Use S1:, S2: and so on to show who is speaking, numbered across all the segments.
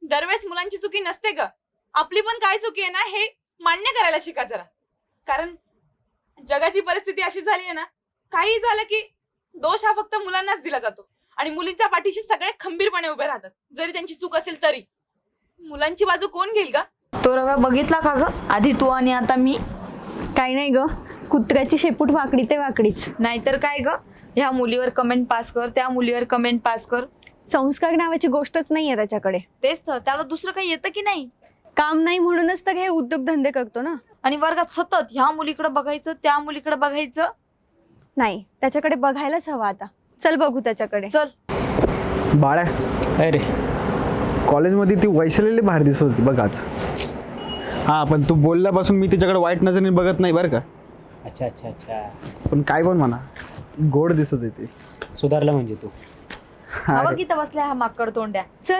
S1: दरवेळेस मुलांची चुकी नसते ग. आपली पण काय चुकी आहे ना हे मान्य करायला शिका जरा. कारण जगाची परिस्थिती अशी झाली आहे ना, काही झालं की दोष हा फक्त मुलांनाच दिला जातो आणि मुलींच्या पाठीशी सगळे खंबीरपणे उभे राहतात, जरी त्यांची चूक असेल तरी. मुलांची बाजू कोण घेईल का?
S2: तो रव्या बघितला का ग? आधी तू आणि आता मी.
S3: काही नाही ग, कुत्र्याची शेपूट वाकडी ते वाकडीच.
S2: नाहीतर काय ग, ह्या मुलीवर कमेंट पास कर, त्या मुलीवर कमेंट पास कर.
S3: संस्कार नावाची गोष्टच नाहीये त्याच्याकडे.
S2: तेच तर, त्याला दुसरं काही येतं की नाही?
S3: काम नाही म्हणूनच तर हे उद्योगधंदे करतो ना.
S2: आणि वर्गात सतत ह्या मुलीकडे बघायचं, त्या मुलीकडे बघायचं.
S3: नाही, त्याच्याकडे बघायलाच हवा आता. चल बघू त्याच्याकडे.
S2: चल.
S4: बाळ्या,
S5: अरे
S4: कॉलेजमध्ये ती वैशालीला बाहेर दिसत होती बघ आज.
S5: हां, पण तू बोलल्यापासून मी तिच्याकडे वाईट नजरेने बघत नाही बरं का.
S6: अच्छा अच्छा अच्छा,
S4: पण काय पण म्हणा, गोड दिसत होती.
S6: सुधारला म्हणजे तू.
S2: हवा की तर बसल्या हा माकड तोंड्या.
S3: चल.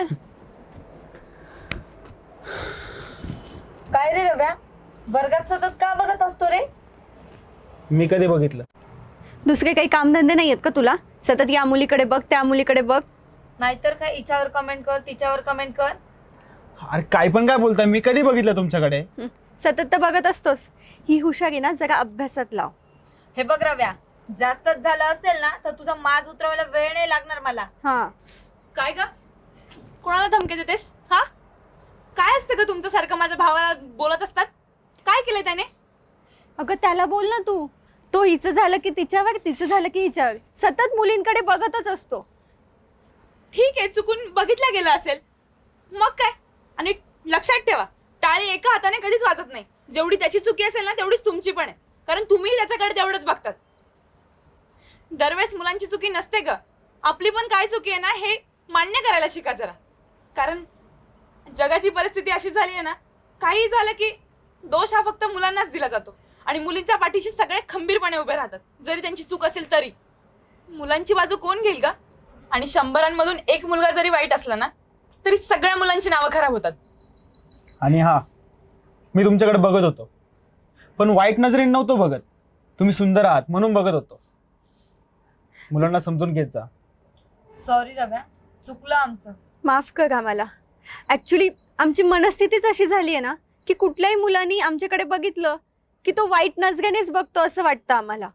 S2: काय रे रव्या, वर्गात सतत का बघत असतो रे?
S5: मी कधी बघितलं?
S3: दुसरे काही कामधंदे नाही आहेत का तुला? सतत या मुलीकडे बघ, त्या मुलीकडे बघ.
S2: नाहीतर काय, हिच्यावर कमेंट कर, तिच्यावर कमेंट कर.
S5: अरे काय पण काय बोलताय, मी कधी बघितलं तुमच्याकडे?
S3: सतत तर बघत असतोस. ही हुशारी ना जरा अभ्यासात लाव.
S2: हे बघ रव्या, जास्तच झालं असेल ना तर तुझा माज उतरवायला वेळ नाही लागणार मला.
S3: हा.
S1: काय ग, कोणाला धमकी देतेस? हा, काय असतं ग तुमचं सारखं माझ्या भावाला बोलत असतात? काय केलंय त्याने?
S3: अगं त्याला बोल ना तू. तो हिचं झालं की तिच्यावर, तिचं झालं की हिच्यावर. सतत मुलींकडे बघतच असतो.
S1: ठीक आहे, चुकून बघितलं गेलं असेल, मग काय. आणि लक्षात ठेवा, टाळी एका हाताने कधीच वाजत नाही. जेवढी त्याची चुकी असेल ना तेवढीच तुमची पण आहे, कारण तुम्ही त्याच्याकडे तेवढंच बघतात. दरवेळेस मुलांची चुकी नसते ग. आपली पण काय चुकी आहे ना हे मान्य करायला शिका जरा. कारण जगाची परिस्थिती अशी झाली आहे ना, काही झालं की दोष हा फक्त मुलांनाच दिला जातो आणि मुलींच्या पाठीशी सगळे खंबीरपणे उभे राहतात, जरी त्यांची चूक असेल तरी. मुलांची बाजू कोण घेईल का? आणि 100मधून एक मुलगा जरी वाईट असला ना तरी सगळ्या मुलांची नावं खराब होतात.
S5: आणि हां, मी तुमच्याकडे बघत होतो, पण वाईट नजरेने नव्हतो बघत. तुम्ही सुंदर आहात म्हणून बघत होतो. मुलांना समजून घेत जा.
S2: सॉरी रव्या, चुकलं आमचं.
S3: माफ कर आम्हाला. ऍक्च्युली आमची मनस्थितीच अशी झाली आहे ना की कुठल्याही मुलांनी आमच्याकडे बघितलं की तो वाईट नजरेनेच बघतो असं वाटतं आम्हाला.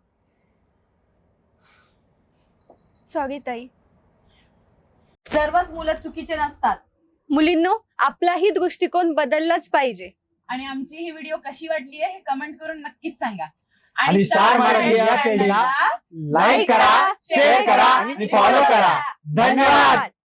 S3: सॉरी ताई.
S2: सर्वच मुलं चुकीचे नसतात.
S3: मुलींनो, आपलाही दृष्टिकोन बदललाच पाहिजे.
S1: आणि आमची ही व्हिडिओ कशी वाटली आहे हे कमेंट करून नक्कीच सांगा.
S5: आणि स्टार मराठी या पेजला लाईक करा, शेअर करा आणि फॉलो करा. धन्यवाद.